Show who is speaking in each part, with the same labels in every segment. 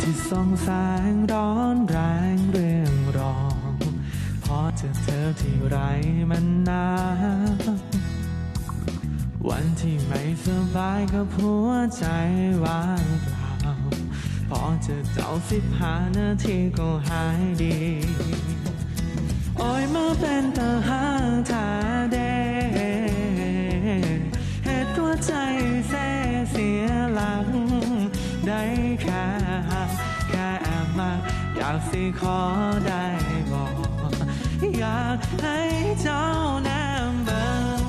Speaker 1: ที่ส่องแสงร้อนแรงเรื่องรองพอเจอเธอที่ไรมันหนาววันที่ไม่สบายกับหัวใจว่างเปล่าพอเจอเจ้า15 นาทีก็หายดีโอ้ยมาเป็นตาหางทาเดเหตุหัวใจเสียหลังได้แค่แอบมาอยากสิขอได้บอกอยากให้เจ้าแนมเบิ่ง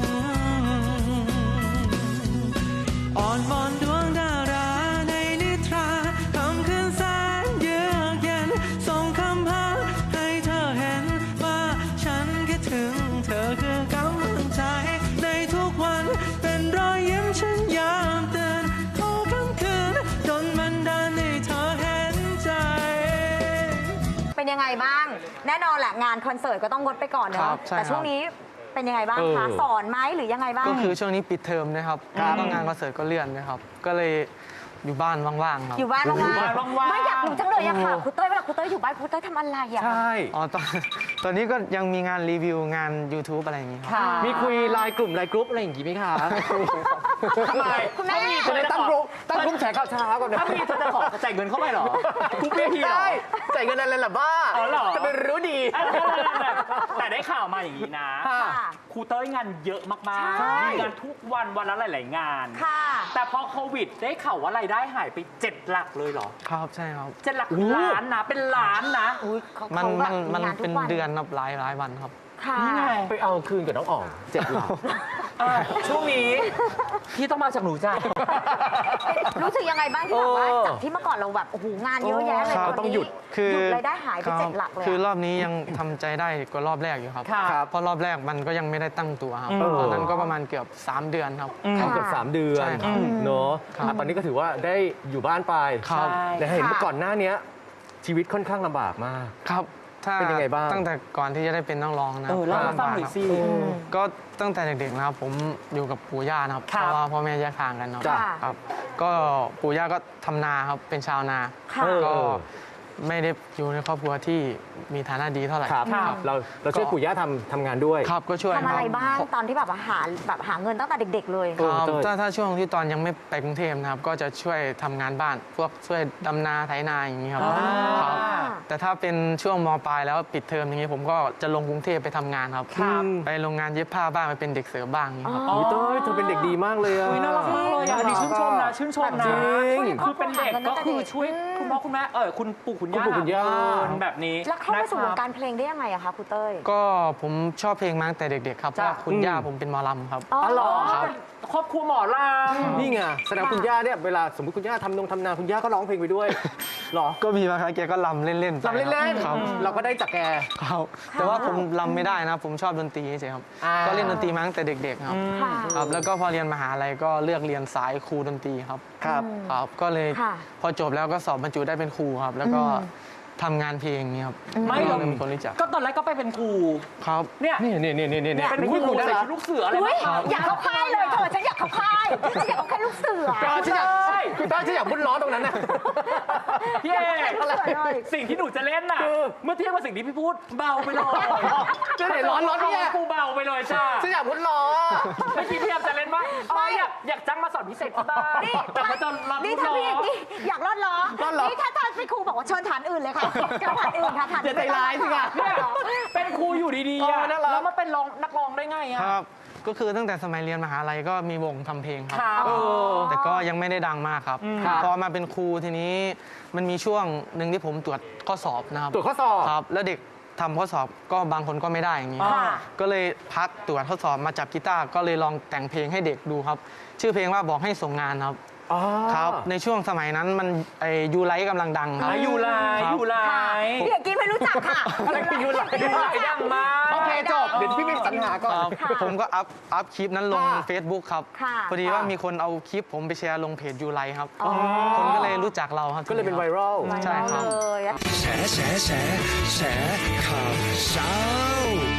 Speaker 1: อ่อนวอนดวงดาราในนิทราคำคืนแสนเยือกเย็นส่งคำหาให้เธอเห็นว่าฉันคิดถึงเธอคือกำลังใจในทุกวันเป็นรอยยิ้มฉันยามเตือนขอคำคืนจนมันดานให้เธอเห็นใจ
Speaker 2: เป็นยังไงบ้างแน่นอนแหละงานคอนเสิร์ตก็ต้องงดไปก่อนเนอะแต่ช่วงนี้เป็นยังไงบ้างคะสอนไหมหรือยังไงบ้าง
Speaker 1: ก็คือช่วงนี้ปิดเทอมนะครับก็งานคอนเสิร์ตก็เลื่อนนะครับก็เลยอยู่บ้านว่างๆครับ
Speaker 2: อยู่บ้านว่างๆไม่อยากรู้จังเลยอะค่ะคุณเต้ยเวลาคุณเต้ยอยู่บ้านคุณเต้ยทำอะไรอะ
Speaker 3: ใช่
Speaker 1: อ๋อตอนนี้ก็ยังมีงานรีวิวงาน YouTube อะไรอย่างงี้ครับ
Speaker 3: มีคุยไลน์กลุ่มไลน์กรุ๊ปอะไรอย่างงี้ไหมคะ
Speaker 2: ทำไมคุณแม่
Speaker 3: จะได้ตั้งกลุ่มแฉข่าวเช้าก่อนถ้ามีเธอจะขอจ่ายเงินเข้าไปหรอกรุ๊ปพี่ได้จ่ายเงินอะไรล่ะบ้าจะเป็นรู้ดี
Speaker 4: แต่ได้ข่าวมาอย่างนี้นะครูเต้ยงานเยอะมากๆมีงานทุกวันวันละหลายๆงานแต่พอโควิดได้ข่าวว่ารายได้หายไป7 หลักเลยเหรอ
Speaker 1: ครับใช่ครับ
Speaker 4: 7 หลักล้านนะเป็นล้านนะ
Speaker 1: มันเป็นเดือนนับหลายวันครับ
Speaker 3: นี่ไงไปเอาคืนกับน้องอ๋อง7 หลัก
Speaker 4: ช่วงนี้พี่ต้องมาจากหนูจ้ะ
Speaker 2: รู้สึกยังไงบ้างที่แบบว่าจากที่เมื่อก่อนเราแบบโอ้โหงานเยอะแยะเลย
Speaker 1: ต้องหยุด
Speaker 2: รายได้หายไป7 หลักเลย
Speaker 1: คือรอบนี้ยังทำใจได้กว่ารอบแรกอยู่ครับเพราะรอบแรกมันก็ยังไม่ได้ตั้งตัวครับตอนนั้นก็ประมาณเกือบ3 เดือนครับ
Speaker 3: เกือบ3 เดือนเนาะตอนนี้ก็ถือว่าได้อยู่บ้านไปแต่เห็นเมื่อก่อนหน้านี้ชีวิตค่อนข้างลำบากมาก
Speaker 1: ครับ
Speaker 3: เป็นยังไงบ้าง
Speaker 1: ตั้งแต่ก่อนที่จะได้เป็นนักร้องนะ
Speaker 4: เล่าให้ฟังหน่อยสิ
Speaker 1: ก็ตั้งแต่เด็กๆนะครับผมอยู่กับปู่ย่านะครับเพราะว่าพ่อแม่แยกทางกันเนาะครับก็ปู่ย่าก็ทำนาครับเป็นชาวนาก็ไม่ได้อยู่ในครอบครัวที่มีฐานะดีเท่าไหร่
Speaker 3: เราช่วยปู่ย่าทำงานด้วย
Speaker 1: ครับก็ช่วย
Speaker 2: ทำอะไรบ้างตอนที่แบบหาเงินตั้งแต่เด็กๆเลย
Speaker 1: ถ้าช่วงที่ตอนยังไม่ไปกรุงเทพนะครับก็จะช่วยทำงานบ้านพวกช่วยดำนาไถนาอย่างนี้ครับแต่ถ้าเป็นช่วงม.ปลายแล้วปิดเทอมอย่างนี้ผมก็จะลงกรุงเทพไปทำงานครับไปโรงงานเย็บผ้าบ้างไปเป็นเด็กเสิร์ฟบ้างนี่ครับ
Speaker 3: เต้ยเธอเป็นเด็กดีมากเลยอ่ะ
Speaker 4: น่ารักมากเลยอันนี้ชื่นชมนะคือเป็นเด็กก็คือช่วยคุณพ่อคุณแม่คุณปู่คุณย่าแบบนี้
Speaker 2: แล้วเข้ามาสู่วงการเพลงได้ยังไงอะคะครูเต้ย
Speaker 1: ก็ผมชอบเพลงมาตั้งแต่เด็กๆครับเพราะคุณย่าผมเป็นหมอลำครับ
Speaker 4: อ๋อเหรอครอบครัวหมอลำ
Speaker 3: นี่ไงแสดงคุณย่าเนี่ยเวลาสมมติคุณย่าทำนาคุณย่าก็ร้องเพลงไปด้วยหรอ
Speaker 1: ก็มีบางครั้งแกก็ลำเล่นๆ
Speaker 3: ครับเราก็ได้จากแก
Speaker 1: ครับแต่ว่าผมลำไม่ได้นะผมชอบดนตรีเฉยครับก็เล่นดนตรีมาตั้งแต่เด็กๆครับแล้วก็พอเรียนมหาลัยก็เลือกเรียนสายครูดนตรีครับก็เลยพอจบแล้วก็สอบบรรจุได้เป็นครูครับแล้วก็ทำงานเพลงนี้ครับ
Speaker 4: ไม่หรอกมีคนรู้จักก็ตอนแรกก็ไปเป็นครู
Speaker 1: ครับ
Speaker 4: เนี่ยเป็นครูใส่ชุดลูกเสืออะไรบ้าง
Speaker 2: อยากเข้าค่ายเลยเธอฉันอยากเข้าค่ายฉันอยากเข้าค่ายลูกเสือ
Speaker 3: ฉันอยากบุญล้อตรงนั้นน่ะ
Speaker 4: พี่เอกสิ่งที่หนูจะเล่นน่ะเมื่อเทียบกับสิ่งที่พี่พูดเบาไปเลย
Speaker 3: จะไหนร้อน
Speaker 4: เนี่ยกูเบาไปเลยจ้า
Speaker 3: ฉันอยากบุญล้อ
Speaker 4: เมื่อกี้พี่จะเล่นว่าอยากจ้างมาสอนพิเศษที่บ้านแต่พอจะรอดล้อ
Speaker 2: อยากรอดล้อนี่ถ้าเป็นครูบอกว่าเชิญฐานอื่นเลยค่ะฐานอื่นค่ะฐาน
Speaker 3: จะใจร้ายสิคะ
Speaker 4: เป็นครูอยู่ดีๆแล้วมาเป็นนักร้องได้ไงอะ
Speaker 1: ครับก็คือตั้งแต่สมัยเรียนมหาลัยก็มีวงทำเพลงครับแต่ก็ยังไม่ได้ดังมากครับพอมาเป็นครูทีนี้มันมีช่วงหนึ่งที่ผมตรวจข้อสอบนะครับ
Speaker 3: ตรวจข้อสอบ
Speaker 1: ครับแล้วเด็กทำข้อสอบก็บางคนก็ไม่ได้อย่างนี้ก็เลยพักตรวจข้อสอบมาจับกีตาร์ก็เลยลองแต่งเพลงให้เด็กดูครับชื่อเพลงว่าบอกให้ส่งงานครับครับในช่วงสมัยนั้นมันยูไลท์กำลังดังครับ
Speaker 4: ยูไลท์
Speaker 2: พี่เอกกี้ไม่รู้จักค่ะ
Speaker 3: อะไรคือยูไลท์
Speaker 4: ดังมาก
Speaker 3: โอเคจบเดี๋ยวพี่ไปสรรหาก่อน
Speaker 1: ผมก็อัพคลิปนั้นลง Facebook ครับพอดีว่ามีคนเอาคลิปผมไปแชร์ลงเพจยูไลท์ครับคนก็เลยรู้จักเราครับ
Speaker 3: ก็เลยเป็นไวรัล
Speaker 1: ใช่ครับ
Speaker 5: แฉข่าวเช้า